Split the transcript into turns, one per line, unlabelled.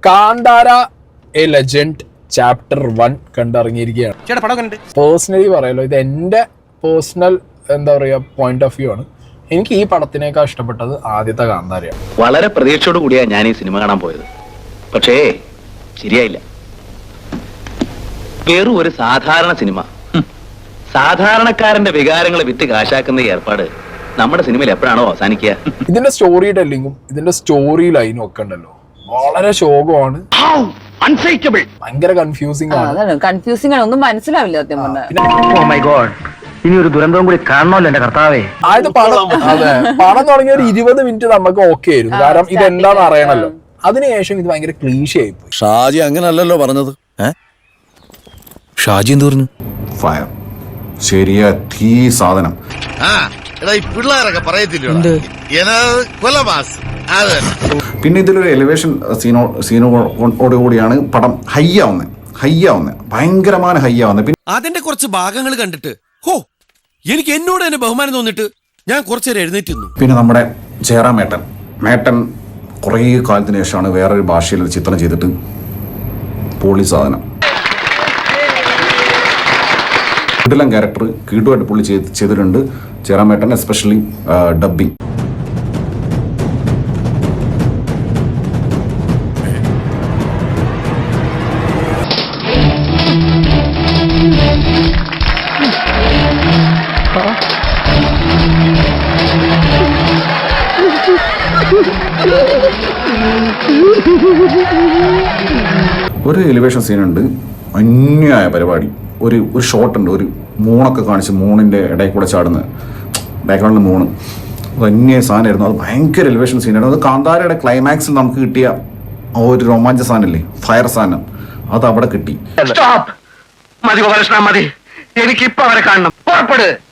Kantara a legend chapter 1 കണ്ടിറങ്ങിയിരിക്കുകയാണ്. Personally പറയാലോ, ഇത് എൻ്റെ പേഴ്സണൽ എന്താ പറയുക പോയിന്റ് ഓഫ് വ്യൂ ആണ്. എനിക്ക് ഈ പടത്തിനേക്കാൾ ഇഷ്ടപ്പെട്ടത് ആദ്യത്തെ കാന്താരയാണ്.
വളരെ പ്രതീക്ഷയോട് കൂടിയാണ് ഞാൻ ഈ സിനിമ കാണാൻ പോയത്. പക്ഷേ ശരിയായില്ല. വെറും ഒരു സാധാരണ സിനിമ, സാധാരണക്കാരന്റെ വികാരങ്ങളെ വിറ്റ് കാശാക്കുന്ന ഈ ഏർപ്പാട് നമ്മുടെ സിനിമയിൽ എപ്പോഴാണോ അവസാനിക്കുക?
ഇതിന്റെ സ്റ്റോറി ടെല്ലിങ്ങും ഇതിന്റെ സ്റ്റോറി ലൈനും ഒക്കെ ഉണ്ടല്ലോ, വളരെ ശോകമാണ്, ഭയങ്കര കൺഫ്യൂസിംഗ് ആണ്.
കൺഫ്യൂസിംഗ് ആണ്, ഒന്നും മനസ്സിലാവില്ല സത്യം പറഞ്ഞാൽ.
ഇനി ഒരു ദുരന്തവും കൂടി കാണണമല്ലോ എന്റെ കർത്താവേ.
ആയത് പടം തുടങ്ങിയ ഒരു 20 മിനിറ്റ് നമുക്ക് ഓക്കെ ആയിരുന്നു, കാരണം ഇതെന്താന്ന് അറിയണല്ലോ. അതിനുശേഷം ഇത് ഭയങ്കര ക്ലീഷേ ആയിപ്പോയി.
ഷാജി അങ്ങനല്ലല്ലോ പറഞ്ഞത്. ഷാജി എന്ത് പറഞ്ഞു?
ഫയർ ശരിയാ, തീ സാധനം. പിന്നെ ഇതിലൊരു എലിവേഷൻ സീനോട് കൂടിയാണ് പടം ഹൈ ആവുന്നത്, ഭയങ്കരമായ ഹൈ ആവുന്നത്. പിന്നെ
അതിന്റെ കുറച്ച് ഭാഗങ്ങൾ കണ്ടിട്ട് ഹോ, എനിക്ക് എന്നോട് തന്നെ ബഹുമാനം തോന്നിട്ട് ഞാൻ കുറച്ചേരം എഴുന്നേറ്റുന്നു.
പിന്നെ നമ്മുടെ ജയറാം മേട്ടൻ കുറേ കാലത്തിന് ശേഷമാണ് വേറൊരു ഭാഷയിൽ ചിത്രം ചെയ്തിട്ട് പോളി സാധനം. കിടിലൻ ക്യാരക്ടർ കീട്ടുമായിട്ട് പുള്ളി ചെയ്തിട്ടുണ്ട് ജയറാം മേട്ടൻ, എസ്പെഷ്യലി ഡബ്ബിങ്. ഒരു എലിവേഷൻ സീനുണ്ട്, അന്യായ പരിപാടി. ഒരു ഷോട്ട് ഉണ്ട്, ഒരു മൂണൊക്കെ കാണിച്ച് മൂണിൻ്റെ ഇടയിൽ കൂടെ ചാടുന്ന ബാക്ക്ഗ്രൗണ്ടിൽ മൂണ്, അത് അന്യായ സാധനമായിരുന്നു. അത് ഭയങ്കര എലിവേഷൻ സീനായിരുന്നു. അത് കാന്താരയുടെ ക്ലൈമാക്സിൽ നമുക്ക് കിട്ടിയ ആ ഒരു രോമാഞ്ച സാധനമില്ലേ, ഫയർ സാധനം, അത് അവിടെ കിട്ടി.
മതി ഗോപാലകൃഷ്ണ, മതി. എനിക്കിപ്പോ അവരെ കാണണം. പുറപ്പെട്.